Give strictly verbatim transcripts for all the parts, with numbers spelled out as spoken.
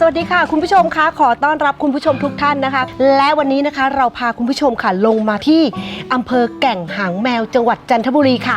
วัสดีค่ะคุณผู้ชมคะขอต้อนรับคุณผู้ชมทุกท่านนะคะและวันนี้นะคะเราพาคุณผู้ชมค่ะลงมาที่อำเภอแก่งหางแมวจังหวัดจันทบุรีค่ะ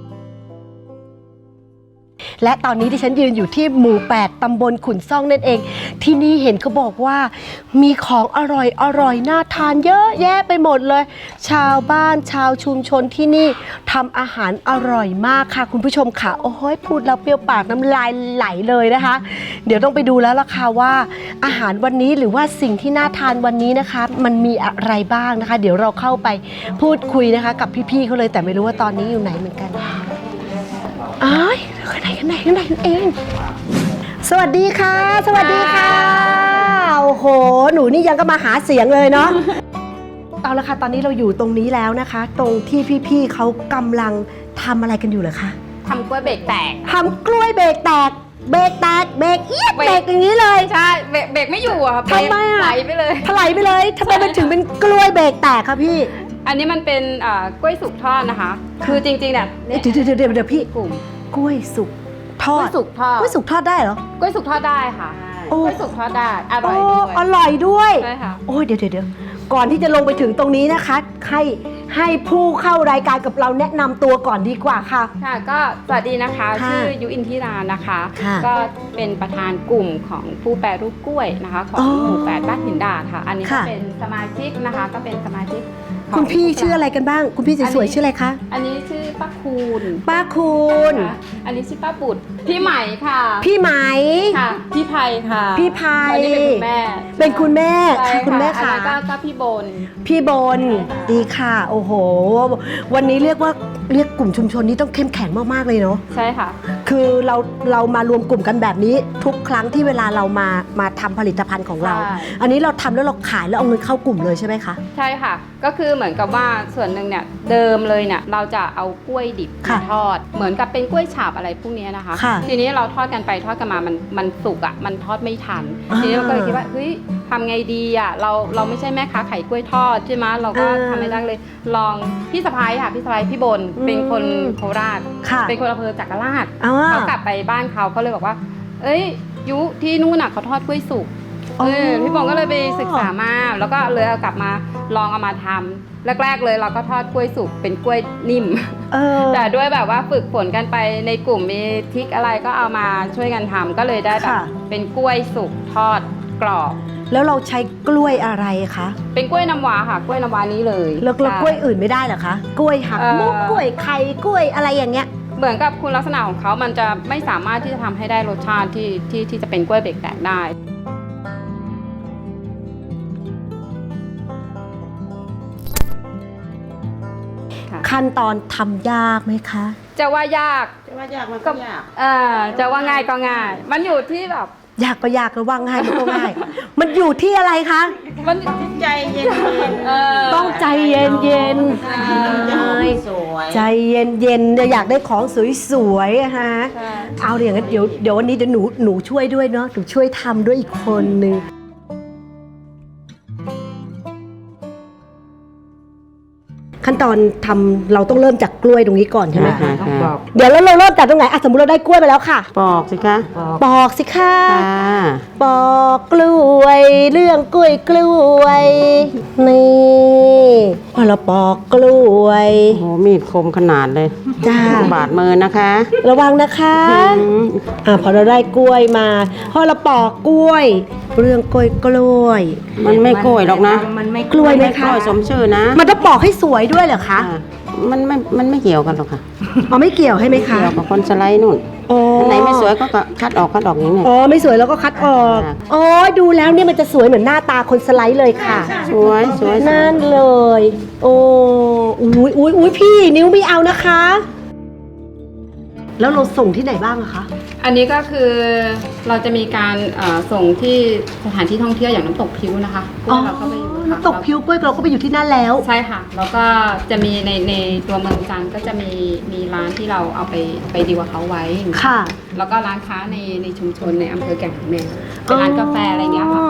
และตอนนี้ที่ฉันยืนอยู่ที่หมู่แปดตำบลขุนซ่องนั่นเองที่นี่เห็นเขาบอกว่ามีของอร่อยอร่อยน่าทานเยอะแยะไปหมดเลยชาวบ้านชาวชุมชนที่นี่ทำอาหารอร่อยมากค่ะคุณผู้ชมค่ะโอ้โหพูดแล้วเปรี้ยวปากน้ำลายไหลเลยนะคะเดี๋ยวต้องไปดูแล้วล่ะค่ะว่าอาหารวันนี้หรือว่าสิ่งที่น่าทานวันนี้นะคะมันมีอะไรบ้างนะคะเดี๋ยวเราเข้าไปพูดคุยนะคะกับพี่ๆเขาเลยแต่ไม่รู้ว่าตอนนี้อยู่ไหนเหมือนกันอ้ายข้างในข้างในข้างในเองสวัสดีค่ะสวัสดีค่ะโอ้โหหนูนี่ยังก็มาหาเสียงเลยเนาะ เอาละค่ะตอนนี้เราอยู่ตรงนี้แล้วนะคะตรงที่พี่ๆเขากำลังทำอะไรกันอยู่เหรอคะทำกล้วยเบรกแตกทำกล้วยเบรกแตกเบรกแตกเบรกเอียดเบรกอย่างนี้เลยใช่เบรกเบรกไม่อยู่อะค่ะทำไมอะไหลไปเลยถลายไปเลยทำไมมันถึงเป็นกล้วยเบรกแตกคะพี่อันนี้มันเป็นกล้วยสุกทอดนะคะคือจริงๆเนี่ยเดี๋ยวเดี๋ยวเดี๋ยวพี่กลุ่มกล้วยสุกทอดกล้วยสุกทอดกล้วยสุกทอดได้เหรอกล้วยสุกทอดได้ค่ะกล้วยสุกทอดได้อร่อยด้วยอร่อยด้วยใช่ค่ะโอ้ยเดี๋ยวเดี๋ยวก่อนที่จะลงไปถึงตรงนี้นะคะให้ให้ผู้เข้ารายการกับเราแนะนำตัวก่อนดีกว่าค่ะค่ะก็สวัสดีนะคะชื่อยุอินทิรานะคะก็เป็นประธานกลุ่มของผู้แปรรูปกล้วยนะคะของหมู่แปดบ้านหินดาดค่ะอันนี้ก็เป็นสมาชิกนะคะก็เป็นสมาชิกคุณพี่ชื่ออะไรกันบ้างคุณพี่สวยๆชื่ออะไรคะอันนี้ชื่อป้าคูณป้าคูณอันนี้ชื่อป้าปุดพี่ไหมค่ะพี่ไหมค่ะพี่ไพค่ะพี่ไพอันนี้เป็นคุณแม่เป็นคุณแม่ค่ะคุณแม่ค่ะก็ก็พี่บนพี่บนดีค่ะโอ้โหวันนี้เรียกว่าเรียกกลุ่มชุมชนนี้ต้องเข้มแข็งมากๆเลยเนาะใช่ค่ะคือเราเรามารวมกลุ่มกันแบบนี้ทุกครั้งที่เวลาเรามามาทำผลิตภัณฑ์ของเราอันนี้เราทำแล้วเราขายแล้วเอาเงินเข้ากลุ่มเลยใช่ไหมคะใช่ค่ะก็คือเหมือนกับว่าส่วนหนึ่งเนี่ยเดิมเลยเนี่ยเราจะเอากล้วยดิบมาทอดเหมือนกับเป็นกล้วยฉาบอะไรพวกนี้นะคะทีนี้เราทอดกันไปทอดกันมามันมันสุกอ่ะมันทอดไม่ทันทีนี้เราก็เลยคิดว่าเฮ้ยทำไงดีอ่ะเราเราไม่ใช่แม่ค้าขายกล้วยทอดใช่ไหมเราก็ทำไม่ได้เลยลองพี่สะพ้ายค่ะพี่สะพ้ายพี่บนเป็นคนโคราชเป็นคนอำเภอจักราชเขากลับไปบ้านเขาเขาเลยบอกว่าเอ้ยยุที่นู่นน่ะเขาทอดกล้วยสุกเออพี่บงก็เลยไปศึกษามาแล้วก็เลยเอากลับมาลองเอามาทำแรกๆเลยเราก็ทอดกล้วยสุกเป็นกล้วยนิ่มแต่ด้วยแบบว่าฝึกฝนกันไปในกลุ่มมีทริคอะไรก็เอามาช่วยกันทำก็เลยได้แบบเป็นกล้วยสุกทอดกรอบแล้วเราใช้กล้วยอะไรคะเป็นกล้วยน้ำว้าค่ะกล้วยน้ำว้านี้เลยแล้วกล้วยอื่นไม่ได้เหรอคะกล้วยหักมุกกล้วยไข่กล้วยอะไรอย่างเงี้ยเหมือนกับคุณลักษณะของเขามันจะไม่สามารถที่จะทำให้ได้รสชาติที่ที่ที่จะเป็นกล้วยเบรกแตกได้ขั้นตอนทำยากไหมคะจะว่ายากจะว่ายากมันก็ยากเออจะว่าง่ายก็ง่ายมันอยู่ที่แบบยากก็ยากแล้วว่าง่ายมันก็ง่ายมันอยู่ที่อะไรคะมันใจเย็นต้องใจเย็นเย็นใจเย็นเย็นอยากได้ของสวยๆฮะเอาอย่างนั้นเดี๋ยวเดี๋ยววันนี้เดี๋ยวหนูหนูช่วยด้วยเนาะหนูช่วยทำด้วยอีกคนนึงขั้นตอนทำเราต้องเริ่มจากกล้วยตรงนี้ก่อนใช่ไหมคะเดี๋ยวแล้วเราเริ่มจากตรงไหนอ่ะสมมติเราได้กล้วยไปแล้วค่ะปอกสิคะปอกสิค่ะปอกกล้วยเรื่องกล้วยกล้วยนี่พอเราปอกกล้วยโอ้โหมีดคมขนาดเลยจ้าบาดมือนะคะระวังนะคะอ่าพอเราได้กล้วยมาพอเราปอกกล้วยเรื่องกล้วยกล้วยมันไม่กล้วยหรอกนะมันไม่กล้วยไหมคะกล้วยสมชื่อนะมันต้องปอกให้สวยด้วยเหรอคะมันไม่มันไม่เกี่ยวกันหรอกค่ะอ๋อไม่เกี่ยวให้ไหมคะเกี่ยวกับคนสไลด์นู่นอันไหนไม่สวยก็คัดออกคัดออกอย่างนี้อ๋อไม่สวยแล้วก็คัดออกอ๋อดูแล้วเนี่ยมันจะสวยเหมือนหน้าตาคนสไลด์เลยค่ะสวยสวยนั่นเลยโอ้อุ้ยอุ้ยอุ้ยพี่นิ้วไม่เอานะคะแล้วเราส่งที่ไหนบ้างอะคะอันนี้ก็คือเราจะมีการส่งที่สถานที่ท่องเที่ยวอย่างน้ำตกพิ้วนะคะอ๋อน้ำตกพิ้วกล้วยเราก็ไปอยู่ที่นั่นแล้วใช่ค่ะแล้วก็จะมีในในตัวเมืองจันทร์ก็จะมีมีร้านที่เราเอาไปไปดีลกับเขาไว้ค่ะแล้วก็ร้านค้าในในชุมชนในอำเภอแก่งหางแมวเป็นร้านกาแฟอะไรเงี้ยค่ะ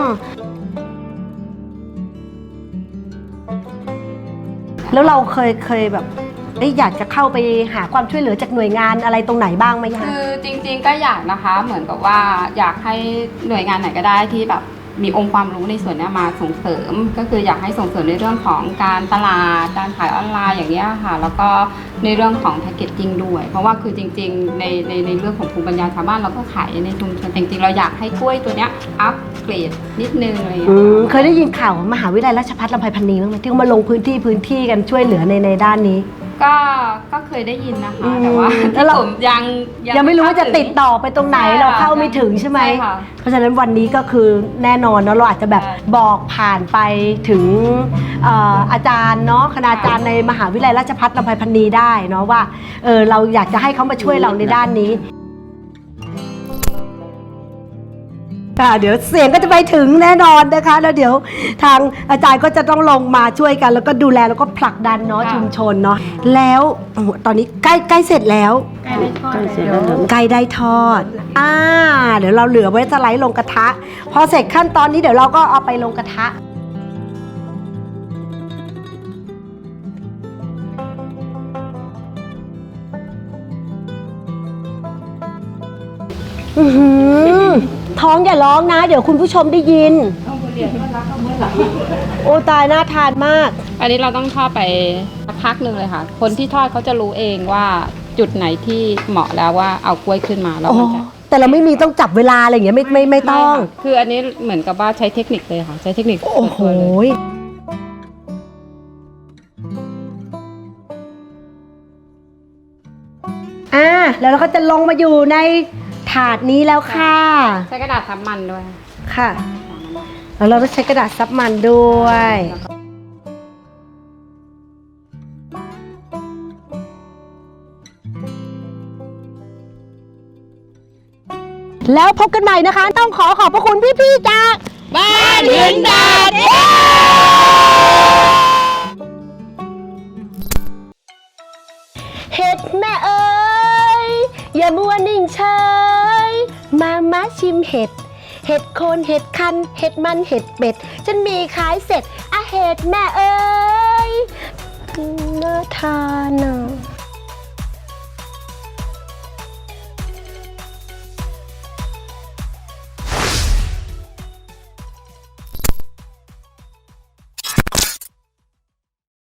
แล้วเราเคยเคยแบบได้อยากจะเข้าไปหาความช่วยเหลือจากหน่วยงานอะไรตรงไหนบ้างไหมคะคือจริงๆก็อยากนะคะเหมือนกับว่าอยากให้หน่วยงานไหนก็ได้ที่แบบมีองค์ความรู้ในส่วนนี้มาส่งเสริมก็คืออยากให้ส่งเสริมในเรื่องของการตลาดการขายออนไลน์อย่างนี้ค่ะแล้วก็ในเรื่องของแพคเกจจิ้งด้วยเพราะว่าคือจริงๆในในในเรื่องของภูมิปัญญาชาวบ้านเราก็ขายในชุมชนจริงๆเราอยากให้กล้วยตัวเนี้ยอัพเกรดนิดนึงอะไรอย่างเงี้ยเคยได้ยินข่าวมหาวิทยาลัยราชภัฏลำไพพันนีบ้างไหมที่เขามาลงพื้นที่พื้นที่กันช่วยเหลือในในด้านนี้ก็ก็เคยได้ยินนะคะอืมแต่ว่าแล้วเราที่ผมยังยังไม่รู้ว่าจะติดต่อไปตรงไหนใช่ค่ะเราเข้าไม่ถึงใช่ไหมใช่ค่ะเพราะฉะนั้นวันนี้ก็คือแน่นอนเนาะเราอาจจะแบบใช่บอกผ่านไปถึงเอ่ออาจารย์เนาะคณาจารย์ในมหาวิทยาลัยราชภัฏลำไพพันนีได้เนาะว่าเออเราอยากจะให้เขามาช่วยเราในด้านนี้ค่ะเดี๋ยวเสียงก็จะไปถึงแน่นอนนะคะแล้วเดี๋ยวทางอาจารย์ก็จะต้องลงมาช่วยกัน แล้วก็ดูแลแล้วก็ผลักดันเนาะค่ะชุมชนเนาะแล้วโอ้โหตอนนี้ใกล้ใกล้เสร็จแล้วใกล้ได้ทอดใกล้เสร็จแล้แล้ว วไก่ได้ทอด อ่า เดี๋ยวเราเหลือไว้สไลด์ลงกระทะ พอเสร็จขั้นตอนนี้เดี๋ยวเราก็เอาไปลงกระทะ อือหือท้องอย่าร้องนะ เดี๋ยวคุณผู้ชมได้ยิน โอ้ตายน่าทานมากอันนี้เราต้องทอดไปสักพักหนึ่งเลยค่ะ คนที่ทอดเขาจะรู้เองว่าจุดไหนที่เหมาะแล้วว่าเอากล้วยขึ้นมาแล้วโอ้มันจะแต่เราไม่มีต้องจับเวลาอะไรอย่างเงี้ยไม่ไม่ไม่ต้องไม่ค่ะคืออันนี้เหมือนกับว่าใช้เทคนิคเลยค่ะ ใช้เทคนิคโอ้โหส่วนตัวเลยอ่า แล้วเราก็จะลงมาอยู่ในถาดนี้แล้วค่ะใช้กระดาษทับมันด้วยค่ะ แล้วเราก็ใช้กระดาษซับมันด้วย แล้วพบกันใหม่นะคะ ต้องขอขอบพระคุณพี่ๆจากบ้านหินดาดเห็ดแม่เอ๋ยอย่ามัวนิ่งเฉยมามาชิมเห็ด เห็ดโคนเห็ดคัน เห็ดมันเห็ดเป็ด ฉันมีขายเสร็จอะเห็ดแม่เอ๋ยน่าทานอ่ะ